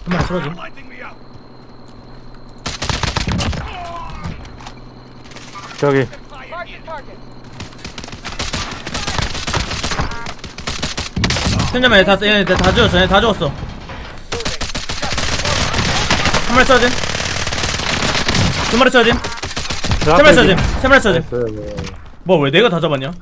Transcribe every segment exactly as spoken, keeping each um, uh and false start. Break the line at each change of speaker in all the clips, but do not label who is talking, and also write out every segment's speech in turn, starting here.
마리 쓰러짐.
저기
팀장님 얘 다, 얘 다 죽었어. 얘 다 죽었어. 한 마리 쓰러짐. 두 마리 쓰러짐. 세 마리 쓰러짐. 세 마리 쓰러짐. 뭐 왜 내가 다 잡았냐?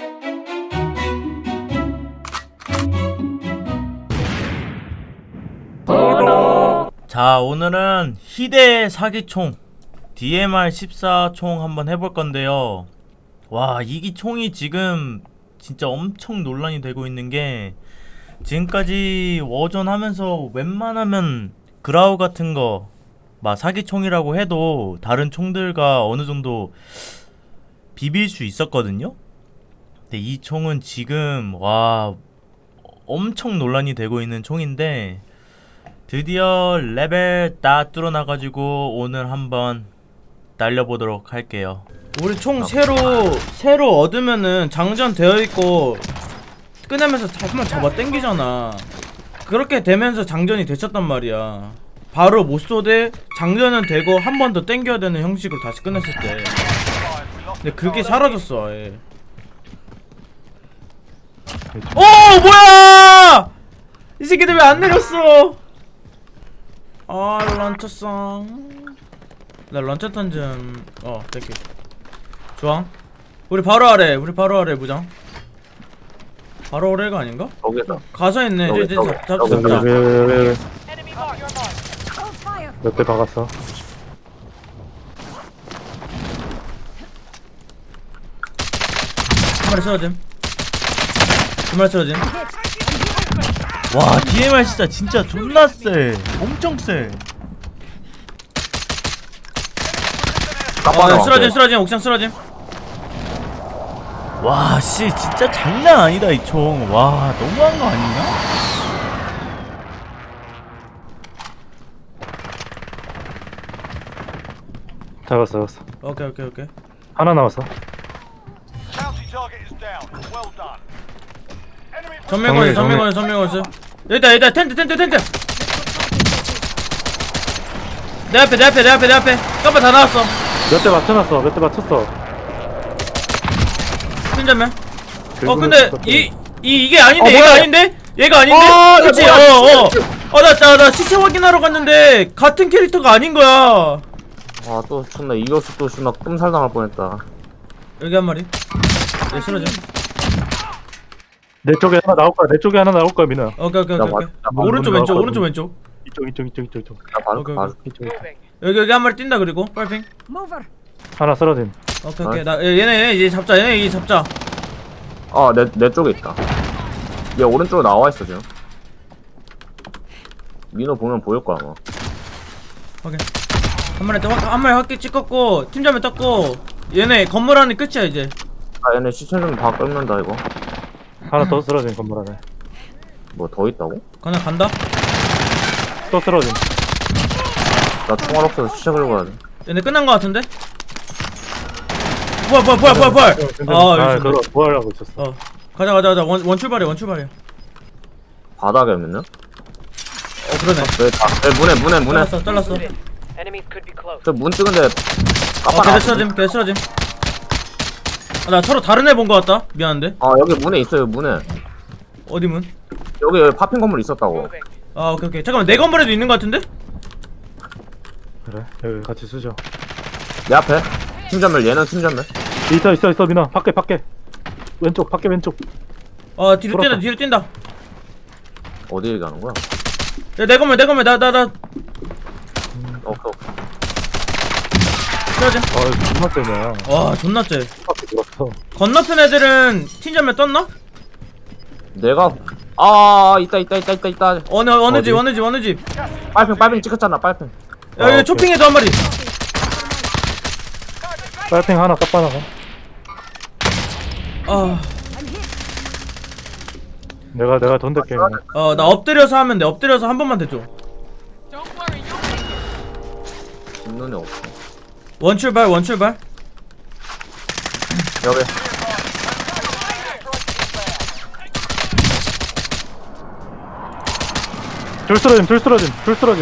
자, 오늘은 희대 사기총 디엠알 십사 총 한번 해볼 건데요. 와, 이 총이 지금 진짜 엄청 논란이 되고 있는 게, 지금까지 워전 하면서 웬만하면 그라우 같은 거 막 사기총이라고 해도 다른 총들과 어느 정도 비빌 수 있었거든요. 근데 이 총은 지금 와 엄청 논란이 되고 있는 총인데, 드디어 레벨 다 뚫어나가지고 오늘 한번 날려보도록 할게요. 우리 총 새로 새로 얻으면은 장전 되어있고 꺼내면서 한번 잡아 당기잖아. 그렇게 되면서 장전이 됐었단 말이야. 바로 못 쏘되 장전은 되고 한 번 더 당겨야 되는 형식으로 다시 끝냈을 때. 근데 그게 사라졌어 아예. 오 뭐야! 이 새끼들 왜 안 내렸어? 아 런처성. 나 런처탄 좀. 어 땡큐. 좋아. 우리 바로 아래. 우리 바로 아래 무장. 바로 아래가 아닌가?
거기서
가서 있네. 이제 이제 잡 잡자
여기
잡자.
몇 대 박았어.
한 마리 쓰러짐. 두 마리 쓰러짐. 와 디엠알 진짜 진짜 존나 세. 엄청 세. 아 쓰러짐 쓰러짐 옥상 쓰러짐. 와 씨 진짜 장난 아니다 이 총. 와 너무한 거 아니냐?
잡았어 잡았어.
오케이 오케이 오케이.
하나 남았어.
전면 걸려 전면 걸려 전면 걸려. 여기다 여기다 텐트 텐트 텐트. 내 앞에 내 앞에 내 앞에 내 앞에. 깜빡 다 나왔어.
몇 대 맞춰놨어. 몇 대 맞췄어.
팀전면. 어 근데 이, 이 이게 아닌데.
어,
얘가
뭐야?
아닌데? 얘가 아닌데?
어,
그치?
야, 뭐야?
어어 어 나 나 나 시체 확인하러 갔는데 같은 캐릭터가 아닌 거야.
아또 존나 이겼어. 또 존나 끔살 당할 뻔했다.
여기 한 마리. 얘 쓰러져.
내 쪽에 하나 나올 거야. 내 쪽에 하나 나올 거야, 민호야.
오케이 오케이
나
오케이.
맞-
오케이.
나
오른쪽
맞는
왼쪽
거
오른쪽
같거든.
왼쪽.
이쪽 이쪽 이쪽 이쪽 이쪽.
나 바로
오케이,
바로
이쪽.
여기 여기 한 마리 뛴다. 그리고 빨핑.
하나 쓰러짐.
오케이 오케이. 나 얘네 얘네 이제 잡자. 얘네 이제 잡자.
아내 내 쪽에 있다. 얘 오른쪽으로 나와 있어 지금. 민호 보면 보일 거야 아마.
오케이. 한 마리 한, 한 마리 확기 찍었고 팀장면 떴고 얘네 건물 안에 끝이야 이제.
아 얘네 시체 좀 다 끓는다 이거.
하나 더 쓰러짐 건물 안에.
뭐 더 있다고?
그냥 간다.
또 쓰러짐.
나 총알 없어서 시체 긁고 가야 돼.
얘네 끝난 거 같은데? 뭐야 뭐야 뭐야 뭐야 뭐야.
아,
아
그거 뭐 하려고 있었어.
어 가자 가자 가자. 원, 원 출발이야 원 출발이야.
바닥에 있는?
어 그러네.
왜다 문에 문에 문에.
잘랐어 잘랐어.
저 문 찍은데
어
깜빡
걔들
나.
쓰러짐 걔들 쓰러짐. 아, 나 서로 다른 애 본 거 같다. 미안한데.
아 여기 문에 있어요 문에.
어디 문?
여기 여기 파핑 건물 있었다고.
아 오케이 오케이. 잠깐만 내 건물에도 있는 거 같은데?
그래. 여기 같이 쓰죠.
내 앞에 팀전멸 얘는 팀전멸.
있어 있어 있어 민호. 밖에 밖에. 왼쪽 밖에 왼쪽.
어 뒤로
돌았다.
뛴다 뒤로 뛴다.
어디 얘기하는 거야?
야, 내 건물 내 건물 나 나 나
오케이 오케이.
쓰러짐.
아 존나 세네.
와 존나 쎄.
밖에 들었어.
건너편 애들은 팀전면 떴나?
내가 아 있다 있다 있다 있다 있다.
어느 어느 집
어디?
어느 집 어느 집.
빨핑 빨핑 찍었잖아 빨핑.
야
아,
여기
오케이.
초핑에도 한 마리.
빨팽 하나 깜빡나가.
아,
내가 내가 돈 댈게. 민호.
어 나 엎드려서 하면 돼. 엎드려서 한 번만 대줘.
눈에 없어.
원 출발 원 출발.
여기
둘 쓰러짐 둘 쓰러짐 둘 쓰러짐.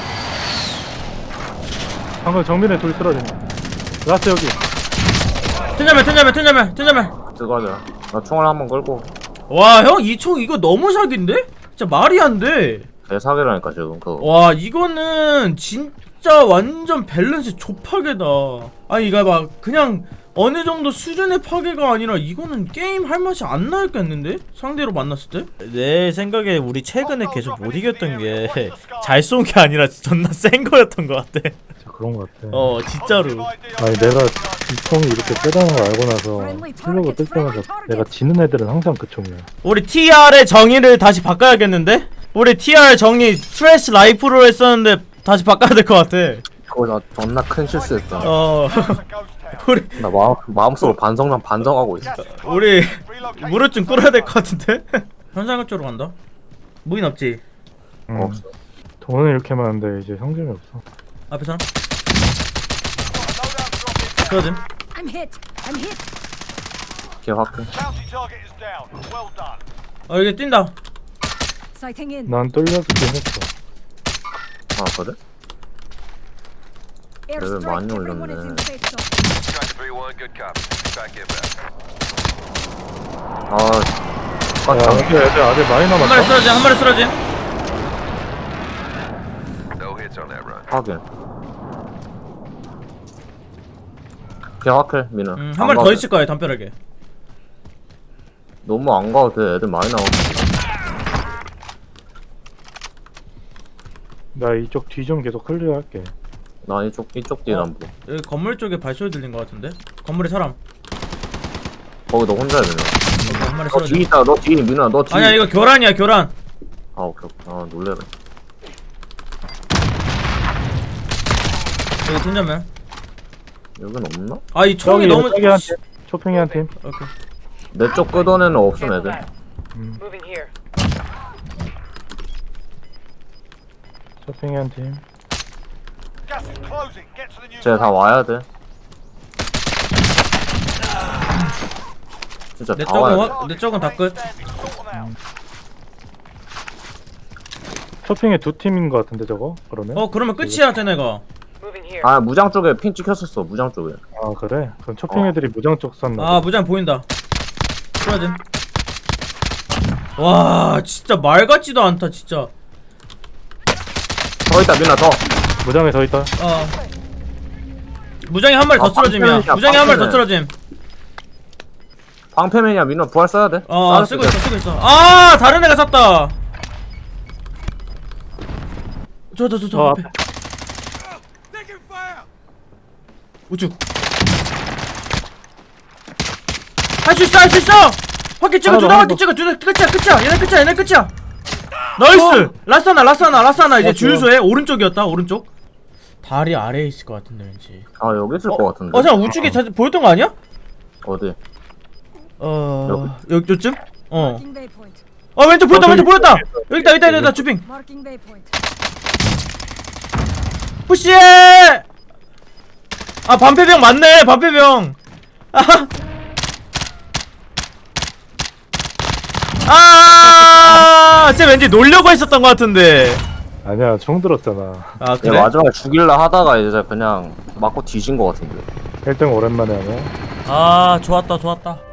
방금 정면에 둘 쓰러짐. 라스 여기.
튼자면 튼자면 튼자면 튼자면.
들어가자. 나 총알 한번 끌고.
와 형 이 총 이거 너무 사기인데? 진짜 말이 안 돼.
대사기라니까 지금 그거.
와 이거는 진짜 완전 밸런스 좁파괴다. 아니 이거 막 그냥 어느 정도 수준의 파괴가 아니라 이거는 게임 할 맛이 안 나겠는데? 상대로 만났을 때? 내 생각에 우리 최근에 계속 못 이겼던 게 잘 쏜 게 아니라 존나 센 거였던 것 같아.
진짜 그런 거 같아.
어 진짜로.
아니 내가 이 총이 이렇게 세다는 걸 알고 나서 슬로그 뜰 때마다 내가 지는 애들은 항상 그 총이야.
우리 티알의 정의를 다시 바꿔야겠는데? 우리 티알 정의 트래시 라이프로 했었는데 다시 바꿔야 될 것 같아.
그거 나 존나 큰 실수했다.
어 우리
나 마음 마음속으로 반성만 반성하고 있어.
우리 무릎 좀 꿇어야 될 것 같은데? 현상금 쪽으로 간다. 무인 없지?
응.
없어.
돈은 이렇게 많은데 이제 성질이 없어.
앞에 사람? 그러지?
I'm hit. I'm hit.
걔 확인.
어 여기 뛴다.
Sighting in.
난 뚫려주긴 했어.
아 그래?
Airstrike.
많이
Everyone is
올렸네.
in safe zone.
Striker three one, good copy. Back inbound.
아.
야
아,
여기 애들 아직 많이
한 마리
남았다.
쓰러짐 한 마리 쓰러짐.
No hits on that run.
확인. 걔 확인 민우.
음, 한 마리 더 있을 거야 담벼락에.
너무 안 가도 돼. 애들 많이 나오고.
나 이쪽 뒤 좀 계속 클리어할게.
나 이쪽 이쪽 뒤에
어?
안 보여.
여기 건물 쪽에 발소리 들린 것 같은데? 건물에 사람.
거기 너 혼자야 민우.
여기 한 마리
너 뒤에
쓰러짐.
있다. 너 뒤에 민우야. 너 뒤에.
아니야 이거 교란이야 교란.
아 오케이 오케이. 아 놀래라.
여기 튼자면.
여긴 없나?
아 이 총이 너무.
저기 한 팀. 초핑이 한 팀.
오케이.
내 쪽 끄던 애는 없음 애들.
음.
Moving here.
초핑이 한 팀.
쟤 다 와야 돼. 진짜
내
다
쪽은
와야 돼.
화, 내 쪽은 다 끝.
초핑에 두 팀인 거 같은데 저거? 그러면?
어 그러면 끝이야 쟤네가.
Moving here.
아 무장 쪽에 핀 찍혔었어. 무장 쪽에.
아 그래? 그럼 초핑
어.
애들이 무장 쪽 쐈나?
아 무장 보인다. 쓰러짐. 와 진짜 말 같지도 않다 진짜.
더 있다 민아 더.
무장에 서 있다.
어. 무장이 한 마리 더
아,
쓰러짐이야.
방패맨이야,
무장이 한 마리 더
방패맨.
쓰러짐.
방패맨이야 민아 부활 써야 돼.
어
쌀
쓰고
때.
있어 쓰고 있어. 아 다른 애가 샀다. 저 저 저 저
어,
앞에. 우측. 할 수 있어 할 수 있어. 확기 찍어
하나 더,
두다
하나
확기
더.
찍어 두다 끝이야 끝이야 얘네 끝이야 얘네 끝이야. 나이스. 라스하나 라스하나 라스하나 이제
어,
주유소에 오른쪽이었다 오른쪽. 다리 아래에 있을 것 같은데 왠지.
아 여기 있을 것 같은데.
어 잠깐 우측에 자, 보였던 거 아니야?
어디?
어 여기 요쯤? 어.
Marking waypoint.
어 왼쪽 보였다
어,
왼쪽
저기-
보였다. 여기 있다 여기 있다 여기 있다 주핑.
Marking waypoint.
푸시해. 아 반패병 맞네 반패병. 아하. 아, 쟤 왠지 놀려고 했었던 것 같은데.
아니야 총 들었잖아.
아
얘
그래?
마지막에 죽일라 하다가 이제 그냥 맞고 뒤진 것 같은데.
일 등 오랜만에 하네.
아 좋았다 좋았다.